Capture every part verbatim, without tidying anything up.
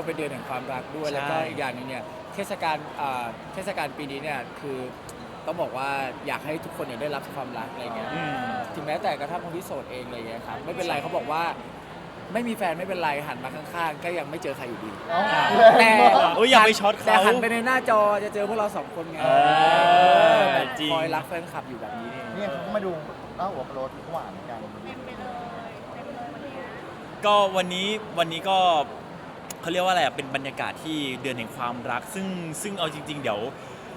มันเป็นเดือนแห่งความรักด้วยแล้วก็อีกอย่างหนึงเนี่ยเทศกาลอ่าเทศกาลปีนี้เนี่ยคือต้องบอกว่าอยากให้ทุกคนเนี่ยได้รับความรักอะไรเงี้ยอืมถึงแม้แต่กระทั่งคนที่โสดเองอะไรเงี้ยครับไม่เป็นไรเขาบอกว่าไม่มีแฟนไม่เป็นไรหันมาข้างๆก็ยังไม่เจอใครอยู่ดี แต่โอ้ยอย่าไปช็อตเขาแต่หันไปในหน้าจอจะเจอพวกเราสองคนไงเออแบบจริงคอยรักแฟนคลับอยู่แบบนี้นี่เนี่ยเขาก็มาดูเล่าหัวโปรดหวานกันเต็มไปเลยเต็มเลยวันเนี้ยก็วันนี้วันนี้ก็เขาเรียกว่าอะไรอ่ะเป็นบรรยากาศที่เดือนแห่งความรัก ซึ่งซึ่งเอาจริง ๆ เดี๋ยว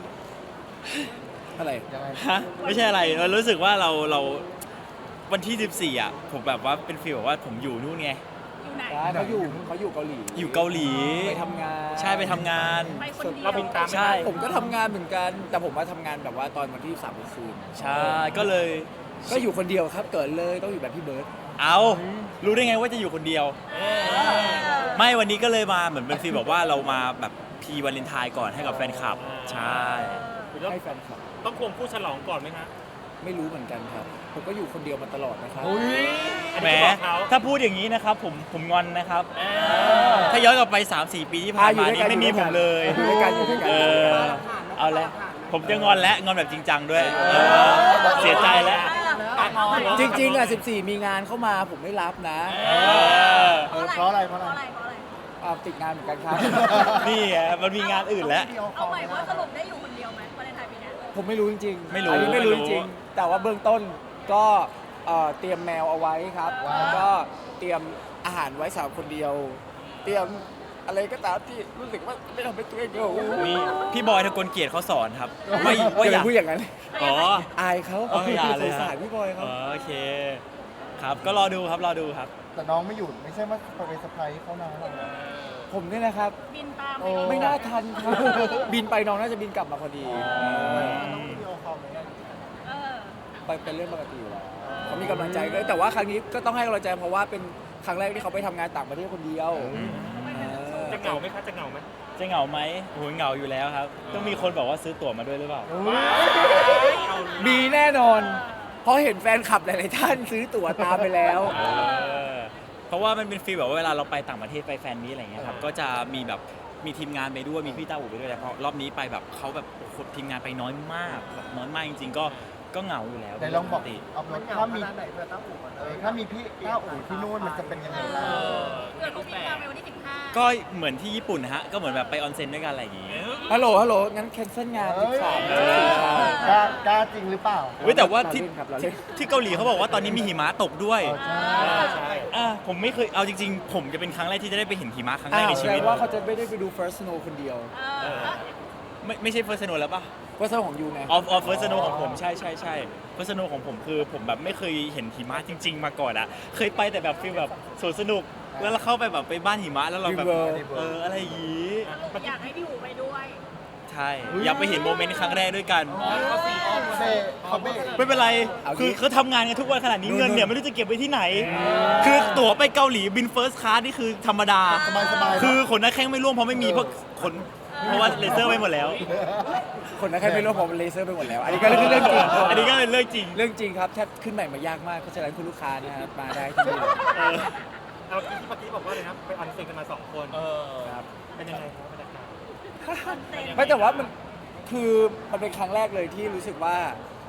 อะไรยังไงฮะไม่ใช่อะไรเรารู้สึกว่าเราเราวันที่สิบสี่อ่ะผมแบบว่าเป็นฟีลแบบว่าผมอยู่นู่นไงอยู่ไหนเขาอยู่เขาอยู่เกาหลีอยู่เกาหลีไปทำงานใช่ไปทำงานไปคนเดียวเราบินตามใช่ผมก็ทำงานเหมือนกัน แต่ผมว่าทำงานแบบว่าตอนวันที่สามคืนใช่ก็เลยก็อยู่คนเดียวครับเกิดเลยต้องอยู่แบบพี่เบิร์ดเอารู้ได้ไงว่าจะอยู่คนเดียว ไม่วันนี้ก็เลยมาเหมือนเป็นฟีลแบบว่าเรามาแบบพีวาเลนไทน์ก่อนให้กับแฟนคลับ ใช่ให้แฟนคลับต้องควงผู้ฉลองก่อนไหมฮะไม่รู้เหมือนกันครับ ผมก็อยู่คนเดียวมาตลอดนะครับแหมอันนี้ก็บอกเขาถ้าพูดอย่างนี้นะครับผมผมงอนนะครับ ถ้าย้อนกลับไป สามสี่ ปีที่ผ่านมานี่ไม่มีผมเลยอยู่ด้วยกันอยู่ด้วยกันเออเอาละผมจะงอนและงอนแบบจริงจังด้วยเออเสียใจแล้วจริงๆอ่ะสิบสี่มีงานเข้ามาผมไม่รับนะเออเออเพราะอะไรเพราะอะไรเพราะอะไรเพราะอะไรอ่าติดงานเหมือนกันครับนี่ไงมันมีงานอื่นแล้วเอาใหม่ว่าสรุปได้อยู่คนเดียวไหมวาเลนไทน์ปีเนี้ยผมไม่รู้จริงๆไม่รู้อันนี้ไม่รู้ไม่จรู้ริงๆแต่ว่าเบื้องต้นก็เอ่อเตรียมแมวเอาไว้ครับว้าวแล้วก็เตรียมอาหารไว้สำหรับคนเดียว เตรียมอะไรก็ตามที่รู้สึกว่าไม่ทำให้ตัวเองเดียวมีพี่บอยทะกลเกียรติเขาสอนครับว่าอย่าว่าไปอยากพูดอย่างนั้นอ๋ออายเขาเอออย่าเลยสงสารพี่บอยเขาอ๋อโอเค ครับก็รอดูครับรอดูครับแต่น้องไม่อยู่ไม่ใช่ว่าไปเซอร์ไพรส์เขานะเราผมเนี่ยนะครับบินตามโอ้ไม่น่าทันครับ บินไปน้องน่าจะบินกลับมาพอดีต้องวิดีโอคอลไหมเออไปเป็นเรื่องปกติอยู่แล้วเขามีกำลังใจด้วยแต่ว่าครั้งนี้ก็ต้องให้กำลังใจเพราะว่าเป็นครั้งแรกที่เขาไปทำงานต่างประเทศคนเดียวเออจะเหงาไหมคะจะเหงาไหมจะเหงาไหมโอ้โหเหงาอยู่แล้วครับ ต้องมีคนบอกว่าซื้อตั๋วมาด้วยหรือเปล่ามีแน่นอน เพราะเห็นแฟนคลับหลายๆท่านซื้อตั๋วตามไปแล้วเออเพราะว่ามันเป็นฟีลแบบว่าเวลาเราไปต่างประเทศไปแฟนมีตอะไรเงี้ยครับ ก็จะมีแบบมีทีมงานไปด้วยมีพี่ต้าอู่ไปด้วยแต่พอรอบนี้ไปแบบเขาแบบโอ้โหทีมงานไปน้อยมากแบบน้อยมากจริงๆก็ก็เหงาอยู่แล้วไหนลองบอกปกติเอารถถ้ามีเออถ้ามีพี่ต้าอู่ที่นู่นมันจะเป็นยังไงบ้างเกิดเขาบินตามไปวันที่สิบห้าก็เหมือนที่ญี่ปุ่นนะฮะก็เหมือนแบบไปออนเซ็นด้วยกันอะไรอย่างงี้ฮัลโหล ฮัลโหล งั้นแคนเซิลงานเอ้สิบยสามเออกล้ากล้าจริงหรือเปล่าเว้ยแต่ว่าที่เรเล่นครับเราเล่นที่เกาหลีเขาบอกว่าตอนนี้มีหิมะตกด้วยเออใช่ใช่อ่ะผมไม่เคยเอาจริงๆ ผมจะเป็นครั้งแรกที่จะได้ไปเห็นหิมะครั้งแรอ้าก วในแสชีดวิตงว่าเขาจะไม่ได้ไปดู First Snow คนเดียวเออไม่ไม่ใช่เฟิร์สโนแล้วป่ะ First Snow ของยูไงออฟออฟเฟิร์สโนของผมใช่ใช่ใช่เฟิร์สโนของผมคือผมแบบไม่เคยเห็นหิมะจริง ๆ มาก่อนอ่ะ เคยไปแต่แบบฟีลแบบสวนสนุก แล้วเราเข้าไปแบบไปบ้านหิมะแล้วเราแบบ Dream World เอออะไรอย่างงี้สรุปอยากให้พี่อู๋ไปด้วยใช่อยากไปเห็นโมเมนต์ครั้งแรกด้วยกันเขาเบเขาเบไม่เป็นไรเอางี้คือเขาทำงานกันทุกวันขนาดนี้นู่นเงินเนี่ยนู่นไม่รู้จะเก็บไว้ที่ไหน คือตั๋วไปเกาหลีบินเฟิร์สคลาสนี่คือธรรมดาสบายสบายๆคือขนหน้าแข้งไม่ร่วงเพราะไม่มีเพราะขนเพราะว่าเลเซอร์ไปหมดแล้วคนนั้นแค่ไม่รู้ผมเลเซอร์ไปหมดแล้ว อันนี้ก็เรื่องจริงอันนี้ก็เป็นเรื่องจริงเรื่องจริงครับแทบขึ้นใหม่มายากมากเพราะฉะนั้นคุณลูกค้านะครับมาได้ที่นี่เลยเออเอาที่เมื่อกี้บอกว่าเลยนะไปออนเซ็นกันมาสองคนครับเป็นยังไงครับบรรยากาศไม่แต่ว่ามันคือมันเป็นครั้งแรกเลยที่รู้สึกว่า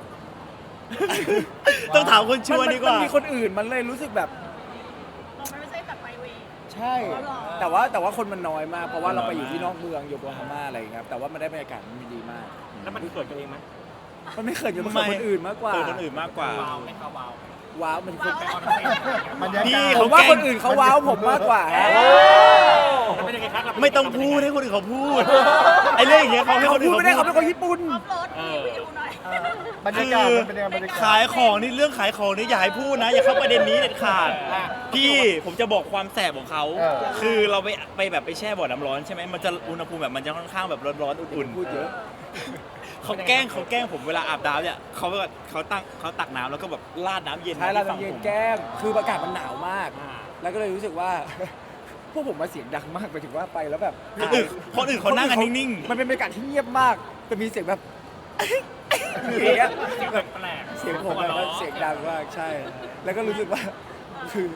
ต้องถามคนชวนดีกว่านมีคนอื่นมันเลยรู้สึกแบบเราไม่ใช่แบบไปเวย์ใช่อ๋อเหรอแต่ว่าแต่ว่าคนมันน้อยมาก เพราะว่าเราไปอยู่ที่นอกเมืองโยโกฮาม่าอะไรอย่างเงี้ยครับแต่ว่ามันได้บรรยากาศมันดีมากแล้วมันเกิดกันเองไหมมันไม่เคยอยู่กับคนอื่นมากกว่าเออคนอื่นมากกว่าว้าวไม่เข้าว้าวว้าวมันคือบรรยากาศพี่ผมว่าคนอื่นเขาว้าวผมมากกว่าฮะแล้วเป็นยังไงครับเราปไม่ต้องพูดให้คนอื่นเขาพูด ไอ้เรื่องอย่างเงี้ยเขาให้เขาคนอื่พูดนไม่เขาได้พูเขาดเป็นคนญี่ปุ่นออฟโรดพี่อู๋หน่อยบรรยากาศมันเป็นยังไงบรรยากาศขายของนี่เรื่องขายของนี่อย่าให้พูดนะ อย่าเข้าประเด็นนี้เด็ดขาด พี่ผมจะบอกความแสบของเขาเออคือเราไปไปแบบไปแช่บ่อน้ำร้อนใช่ไหมมันจะอุณหภูมิแบบมันจะค่อนข้างแบบร้อนๆอุ่นพูดเยอะๆเขาแกล้งเขาแกล้งผมเวลาอาบน้ำเนี่ยเขาแบบเขาตั้งเขาตักน้ำแล้วก็แบบราดน้ำเย็นใช่เราที่ฝั่งเย็ผนมแก้มคืออากาศมันหนาวมากอ่าแล้วก็เลยรู้สึกว่า พวกผมมาเสียงดังมากไปถึงว่าไปแล้วแบบคนอื่นคนอื่นเขานั่งกันนิ่งๆมันเป็นบรรยากาศที่เงียบมากแต่มีเสียงแบบ อย่างเงี้ยเสียงแปลกๆเสียงผมแบบว่าเสียงดังมากใช่ แล้วก็รู้สึกว่าคือ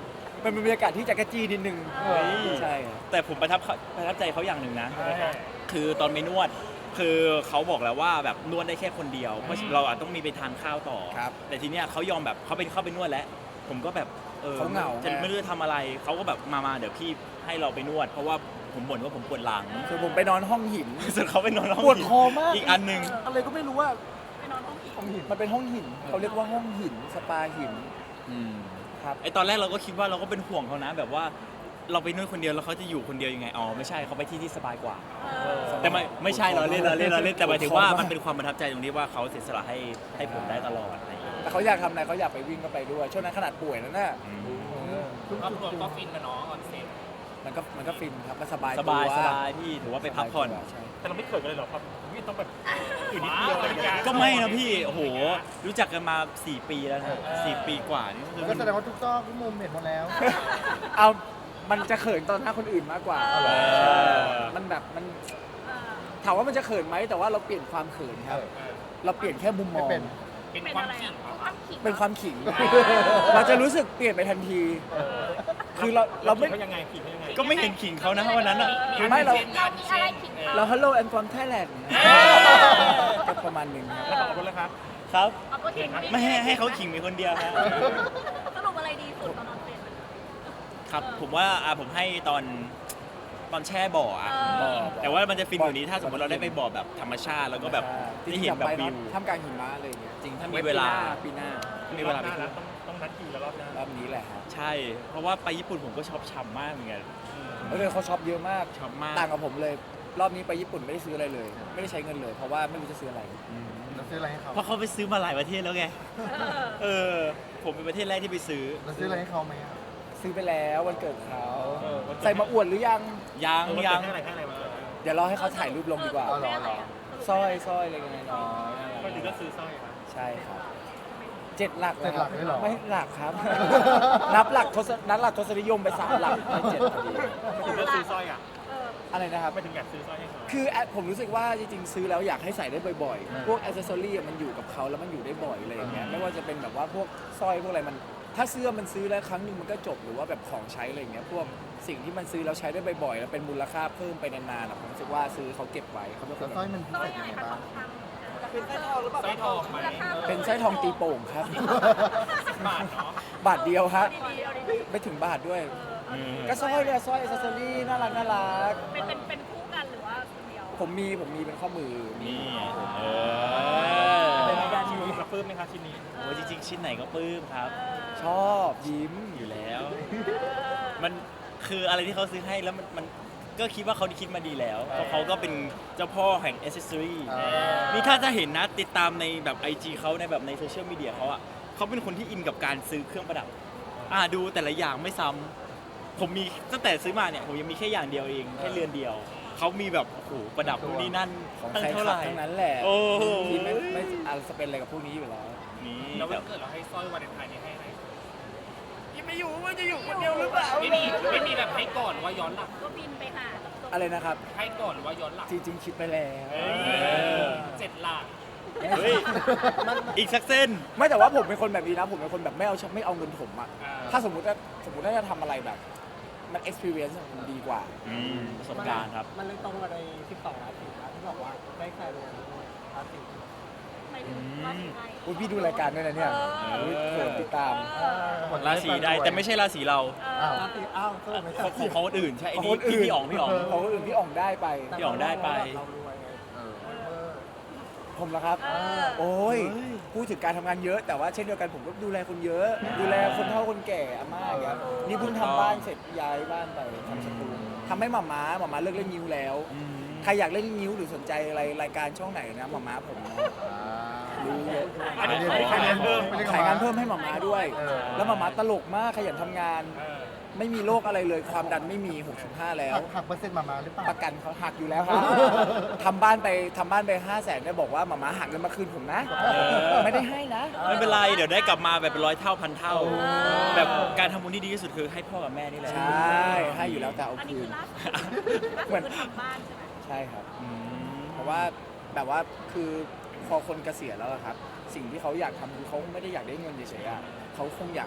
มันเป็นบรรยากาศที่จักรจี้นิดนึงเฮ้ยใช่ครับแต่ผมประทับเขาประทับใจเขาอย่างหนึ่งนะ คือตอนไปนวด คือเขาบอกแล้วว่าแบบนวดได้แค่คนเดียว เพราะเราอาจต้องมีไปทานข้าวต่อครับแต่ทีเนี้ยเขายอมแบบเขาเป็นเข้าไปนวดแล้ว ผมก็แบบเออเขาเหงาจะไงไม่รู้จะทำอะไร เขาก็แบบมามาเดี๋ยวพี่ให้เราไปนวด เพราะว่าผมบ่นว่าผมปวดหลังคือผมไปนอนห้องหินส่วนเขาไปนอนห้องปวดคอมากอีกอันหนึ่งอะไรก็ไม่รู้ว่าไปนอนห้องผีห้องหินมันเป็นห้องหินเขาเรียกว่าห้องหินสปาหินอืมครับไอตอนแรกเราก็คิดว่าเราก็เป็นห่วงเขานะ แบบว่าเราไปนวดคนเดียวแล้วเขาจะอยู่คนเดียวยังไง อ๋อไม่ใช่เขาไปที่ที่สบายกว่าเออแต่ไม่ไม่ใช่เราเล่นเราเล่นเราเล่นแต่หมายถึงว่าขอบคุณมากมันเป็นความประทับใจตรงที่ว่าเขาเสียสละให้ให้ผมได้ตลอดอะไรอย่างเงี้ยแต่เขาอยากทำอะไรเขาอยากไปวิ่งก็ไปด้วยช่วงนั้นขนาดป่วยแล้วน่ะครอบครัวก็ฟินนะเนาะออนเซ็นมันก็มันก็ฟินครับมันสบายสบายตัวสบายพี่ถือว่าไปพักผ่อนใช่แต่เราไม่เขินกันเลยเหรอครับพี่ต้องแบบอยู่นิดเดียวอะไรอย่างเงี้ยก็ไม่นะพี่โอ้โหรู้จักกันมาสี่ปีแล้วนะสี่ปีกว่านี่คือก็แสดงว่าทุกซอกทุกมุมเห็นหมดแล้วเอามันจะเขินตอนหน้าคนอื่นมากกว่าเออมันแบบมันเออถามว่ามันจะเขินไหมแต่ว่าเราเปลี่ยนความเขินครับ เราเปลี่ยนแค่มุมมองไม่เป็นเป็นอะไรอ่ะความขิงเป็นความขิง เราจะรู้สึกเปลี่ยนไปทันที คือเราเราไม่เขายังไงผิดเขายังไงก็ไม่เห็นขิงเขานะวันนั้นอะไม่เราเรามีอะไรขิงเขาเรา Hello and from Thailand ก็ประมาณหนึ่งครับแล้วขอบคุณเลยครับครับเอาก็ขิงไม่ให้ให้เขาขิงมีคนเดียวครับสรุปอะไรดีสุดตอนนอนเซ็นครับผมว่าอ่ะผมให้ตอนตอนแช่บ่ออ่ะเออแต่ว่ามันจะฟินกว่านี้ถ้าสมมติเราได้ไปบ่อแบบธรรมชาติแล้วก็แบบจริได้งๆเห็อน ยากแบบไปวิเนาะวท่ามกลางหิมะอะไรอย่างเงี้ยจริงถ้ามีเวลาปีหน้ามีเวลาหไปน้าเที่ยวแล้วต้องต้องนัดคิวแล้วรอบหน้ารอบนี้แหละครับใช่ เพราะว่าไปญี่ปุ่นผมก็ชอบฉ่ำมากเหมือนกันเออเขาช็อปเยอะมากชอบมากต่างกับผมเลย รอบนี้ไปญี่ปุ่นไม่ได้ซื้ออะไรเลย ไม่ได้ใช้เงินเลย เพราะว่าไม่รู้จะซื้ออะไรเราซื้ออะไรให้เขาเพราะเขาไปซื้อมาหลายประเทศแล้วไงเออเออ ผมเป็นประเทศแรกที่ไปซื้อเราซื้ออะไรให้เขาไหมอะซื้อไปแล้ววันเกิดเขาเออวันเกิดใส่มาอวดหรือยังยังเออยังให้อะไรให้อะไรมาเดี๋ยวรอให้เขาถ่ายรูปลงดีกว่าเออได้อะไรอ่ะสร้อยสร้อยอะไรเงี้ยน้อยก็ถึงก็ซื้อสร้อยครับใช่ครับเจ็ดหลักเจ็ดหลักด้วยเหรอไม่หลักครับ นับหลักทศนับหลักทศนิยมไปสามหลักไม่เจ็ดพอดีถึงก็ซื้อสร้อยอ่ะเอออะไรนะครับไม่ถึงอยากซื้อสร้อยให้เขาคือแอดผมรู้สึกว่าจริงๆซื้อแล้วอยากให้ใส่ได้บ่อยๆ พวกอ c เซสซอรี่มันอยู่กับเขาแล้วมันอยู่ได้บ่อยอะไรอย่างเงี้ย ไม่ว่าจะเป็นแบบว่าพวกสร้อยพวกอะไรมัน ถ้าเสื้อมันซื้อแล้วครั้งหนึ่งมันก็จบหรือว่าแบบของใช้อะไรอย่างเงี้ย พวกสิ่งที่มันซื้อแล้วใช้ได้บ่อยๆ แล้วเป็นมูลค่าเพิ่มไปนานๆอะผมรู้สึกว่าซื้อเขาเก็บไว้เขาเป็นคแล้วนสร้อยแบบมันพิสร้อเศยษอะยังไรไงคะบ้างเป็นไส้ทองหรือเปล่าสร้อยทองไหมเป็นสร้อยทองตีโป่งครับบาทเนาะบาทเดียวครับดีๆเอาดีไม่ถึงบาทด้วยๆเออก็สร้อยเนี่ยสร้อยอ c เซสซอรี่น่ารักน่ารักเป็นเป็นเป็นคู่กันหรือว่าคนเดียวผมมีผมมีเป็นข้อมือมีนี่เอเป็นอแบรนด์ชิ้นนี้นี้กระปื้มไหมครับชิ้นนี้โอ้ยจริงๆ ชิ้นไหนก็ปลื้มครับชอบยิ้มอยู่แล้ว มันคืออะไรที่เขาซื้อให้แล้วมันมันก็คิดว่าเขาคิดมาดีแล้ว เพราะเขาก็เป็นเจ้าพ่อแห่งอ c เซสซอรี่อ่านี่ถ้าจะเห็นนะติดตามในแบบ ไอ จี เขาในแบบในโซเชียลมีเดียเขาอะเขาเป็นคนที่อินกับการซื้อเครื่องประดับ อ่าดูแต่ละอย่างไม่ซ้ำผมมีตั้งแต่ซื้อมาเนี่ยผมยังมีแค่อย่างเดียวเองแค่เรือนเดียว เขามีแบบโอ้โหประดับนู่นนี่นั่นของตั้งใครเท่าขัไหบร่ทั้งนั้นแหละโอ้โหที่ไม่ไม่อาจจะเป็นอะไรกับพวกนี้อยู่แล้วนี่แล้ววันเกิดเราให้สร้อยวาเลนไทน์นี้ให้ไหมยังไม่อยู่ว่าจะอยู่คนเดียวหรือเปล่าไม่มีไม่มีแบบให้ก่อนหรือว่าย้อนหลังก็บินไปหาจบอะไรนะครับให้ก่อนหรือว่าย้อนหลังจริงๆคิดไปแล้วเจ็ดหลักเฮ้ยอีกสักเส้นไม่แต่ว่าผมเป็นคนแบบนี้นะผมเป็นคนแบบไม่เอาไม่เอาเงินผมอะอ่าถ้าสมมติว่าสมมติว่าจะทำอะไรแบบมัน experience มันดีกว่าอืมประสบการณ์ครับมันเลยตรงกับในสิบสองราศีนะที่บอกว่าได้ใครลงด้วยราศีหมายถึงราศีไหนอุ๊ยพี่ดูรายการด้วยนะเนี่ยเอออุ๊ยโหดติดตามเออราศีได้แต่ไม่ใช่ราศีเราเออราศีอ้าวสรุปไม่ขใช่องของคนอื่นใช่ไอ้ของนี่คนอื่นพี่อ๋องพี่อ๋องของคนอื่นพี่อ่องได้ไปพี่อ๋องได้ไปเรารวยไงเออผมละครับเออโอ้ยพูดถึงการทำงานเยอะ แต่ว่าเช่นเดียวกันผมก็ดูแลคนเยอะ ดูแลคนเฒ่าคนแก่อาม่าอย่างเงี้ยนี่เพิ่งทำบ้านเสร็จย้ายบ้านไปทำสตูทำให้หม่าม้าหม่าม้าเลิกเล่นนิ้วแล้วอืมใครอยากเล่นนิ้วหรือสนใจอะไรรายการช่องไหนนะหม่าม้าผมนะรู้เยอะอันนี้ไปขายเรียนเพิ่มไปเรียนขายงานกับเพิ่มให้หม่าม้าด้วยเออแล้วหม่าม้าตลกมากขยันทำงานเออไม่มีโรคอะไรเลยความดันไม่มีหกสิบห้าแล้วหักหักเปอร์เซ็นต์มามาหรือเปล่าประกันเขาหักอยู่แล้วครับ ทำบ้านไปทำบ้านไปห้าแสนเนี่ยบอกว่าหมาม้าหักเงินมาคืนผมนะ ไม่ได้ให้นะไม่เป็นไร เดี๋ยวได้กลับมาแบบเป็นร้อยเท่าพันเท่า แบบการทำบุญที่ดีที่สุดคือให้พ่อกับแม่นี่แหละใช่ให้อยู่แล้วแต่เอาอันนี้คืคืนอล่าสุดล่าสุดคือทำบ้านใช่ไหมใช่ครับอืมเพราะว่าแบบว่าคือพอคนเกษียณแล้วอะครับ สิ่งที่เขาอยากทำคือเขาไม่ได้อยากได้เงินเฉยๆอะเขาคงอยาก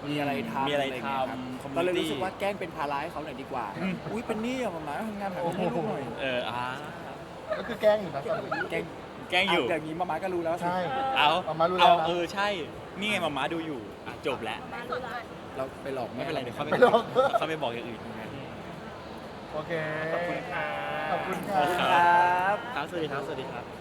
มีอะไรทำมีอะไรเงี้ยครับทำ community เราเลยรู้สึกว่าแกล้งเป็นภาระให้เขาหน่อยดีกว่า อุ้ยเป็นหนี้อะมาม่าทำงานหาเงินให้ลูกหน่อยเอออ่าก็คือแกล้งอยู่นะตอนนี้แกล้งแกล้งอยู่ะอย่างนี้มาม่าก็รู้แล้วสิใช่เอามาม่ารู้แล้วเอานะเออใช่นี่ไงมาม่าดูอยู่อ่ะจบแล้วบ้านรู้ละเราไปหลอกไม่เป็นไรเดี๋ยวเขาไปไม่หรอกเขาไปบอกอย่างอื่นโอเคขอบคุณค่ะขอบคุณขอบคุณค่ะครับครับสวัสดีครับสวัสดีครับ